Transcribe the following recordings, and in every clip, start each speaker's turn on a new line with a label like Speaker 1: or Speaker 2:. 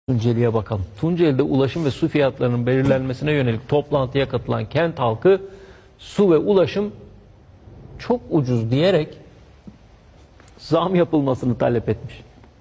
Speaker 1: Tunceli'ye bakalım. Tunceli'de ulaşım ve su fiyatlarının belirlenmesine yönelik toplantıya katılan kent halkı su ve ulaşım çok ucuz diyerek zam yapılmasını talep etmiş.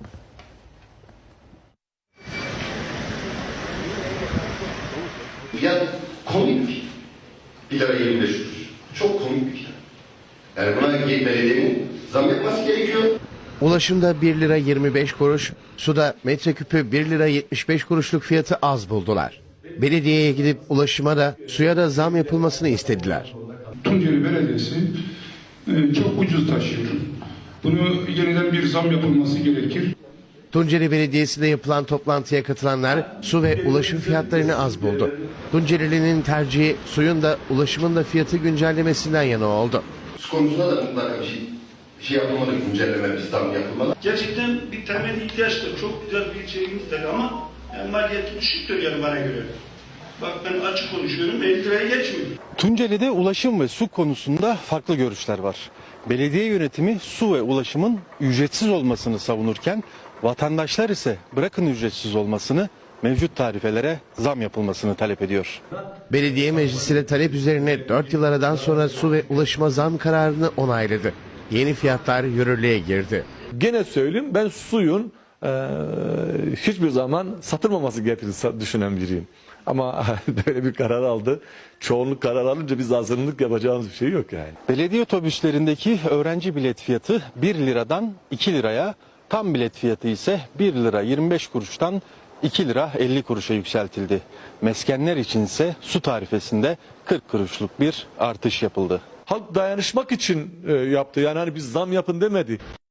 Speaker 2: Fiyat komik. 1 lira 25 kuruş. Çok komik bir fiyat. Yani buna belediyenin zam yapması gerekiyor.
Speaker 3: Ulaşımda 1 lira 25 kuruş, suda metreküpü 1 lira 75 kuruşluk fiyatı az buldular. Belediyeye gidip ulaşıma da suya da zam yapılmasını istediler.
Speaker 4: Tunceli Belediyesi çok ucuz taşıyor. Bunu yeniden bir zam yapılması gerekir.
Speaker 3: Tunceli Belediyesi'nde yapılan toplantıya katılanlar su ve ulaşım fiyatlarını az buldu. Tunceli'nin tercihi suyun da ulaşımın da fiyatı güncellemesinden yana oldu.
Speaker 2: Su konusunda da mutlaka bir şey yapılmalı, güncelleme, bir zam yapılmalı.
Speaker 5: Gerçekten bir temel ihtiyaçtır. Çok güzel bir şeyimizdir ama yani maliyeti düşüktür yani bana göre. Bak ben açık konuşuyorum, 50 liraya geçmiyor.
Speaker 6: Tunceli'de ulaşım ve su konusunda farklı görüşler var. Belediye yönetimi su ve ulaşımın ücretsiz olmasını savunurken vatandaşlar ise bırakın ücretsiz olmasını, mevcut tarifelere zam yapılmasını talep ediyor.
Speaker 3: Belediye meclisiyle talep üzerine 4 yıl aradan sonra su ve ulaşıma zam kararını onayladı. Yeni fiyatlar yürürlüğe girdi.
Speaker 7: Gene söyleyeyim, ben suyun hiçbir zaman satılmaması gerektiğini düşünen biriyim. Ama böyle bir karar aldı. Çoğunluk karar alınca biz azınlık yapacağımız bir şey yok yani.
Speaker 6: Belediye otobüslerindeki öğrenci bilet fiyatı 1 liradan 2 liraya, tam bilet fiyatı ise 1 lira 25 kuruştan 2 lira 50 kuruşa yükseltildi. Meskenler içinse su tarifesinde 40 kuruşluk bir artış yapıldı.
Speaker 7: Halk dayanışmak için yaptı. Yani hani biz zam yapın demedi.